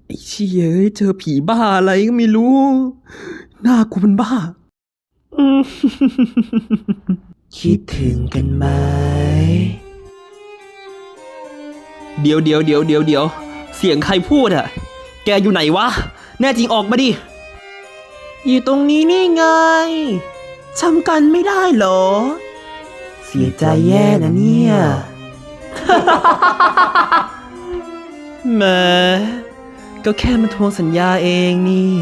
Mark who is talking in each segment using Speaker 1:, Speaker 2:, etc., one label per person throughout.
Speaker 1: ไอ้เชี่ยเจอผีบ้าอะไรก็ไม่รู้หน้ากูเป็นบ้าคิดถึงกันไหมเดี๋ยวเสียงใครพูดอะแกอยู่ไหนวะแน่จริงออกมาดิอยู่ตรงนี้นี่ไงจำกันไม่ได้เหรอเสียใจแย่นะเนี่ยแหมก็แค่มาทวงสัญญาเองนี่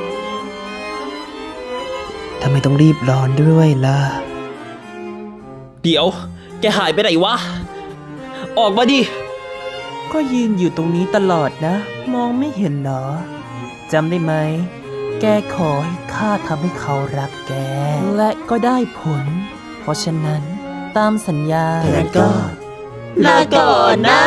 Speaker 1: ทำไมต้องรีบร้อนด้วยล่ะเดี๋ยวแกหายไปไหนวะออกมาดิก็ยืนอยู่ตรงนี้ตลอดนะมองไม่เห็นเหรอจำได้ไหมแกขอให้ข้าทำให้เขารักแกและก็ได้ผลเพราะฉะนั้นตามสัญญาแล้วก็ลาก่อนนะ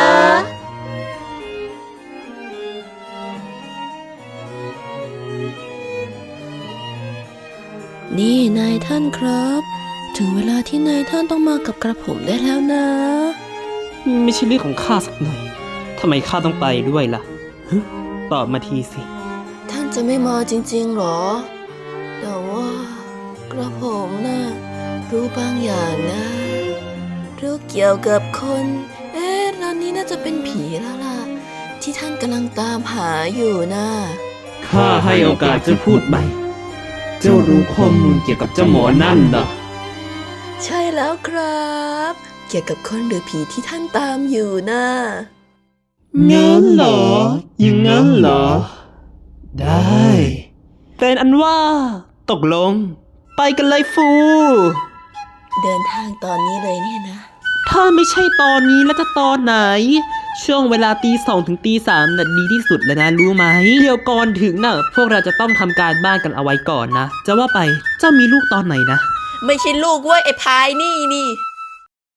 Speaker 2: นี่นายท่านครับ ถึงเวลาที่นายท่านต้องมากับกระผมได้แล้วนะ
Speaker 1: ไม่ใช่เรื่องของข้าสักหน่อยทำไมข้าต้องไปด้วยล่ะตอบมาทีสิ
Speaker 2: ท่านจะไม่มาจริงๆหรอแต่ว่ากระผมน่ะรู้บางอย่างนะรู้เกี่ยวกับคนร้านนี้น่าจะเป็นผีแล้วล่ะที่ท่านกำลังตามหาอยู่นะ
Speaker 1: ข้าให้โอกาสเจ้าพูดใหม่เจ้ารู้ข้อมูลเกี่ยวกับเจ้าหมอนั่นเหรอ
Speaker 2: ใช่แล้วครับเกี่ยวกับคนหรือผีที่ท่านตามอยู่นะ
Speaker 1: งั้นเหรออย่างงั้นเหรอได้เป็นอันว่าตกลงไปกันเลยฟู
Speaker 2: เดินทางตอนนี้เลยเนี่ยนะ
Speaker 1: ถ้าไม่ใช่ตอนนี้แล้วจะตอนไหนช่วงเวลาตี 2 ถึงตี 3น่ะดีที่สุดแล้วนะรู้ไหมเดี๋ยวก่อนถึงน่ะพวกเราจะต้องทำการบ้านกันเอาไว้ก่อนนะจะว่าไปเจ้ามีลูกตอนไหนนะ
Speaker 2: ไม่ใช่ลูกเว้ยไอ้พายนี่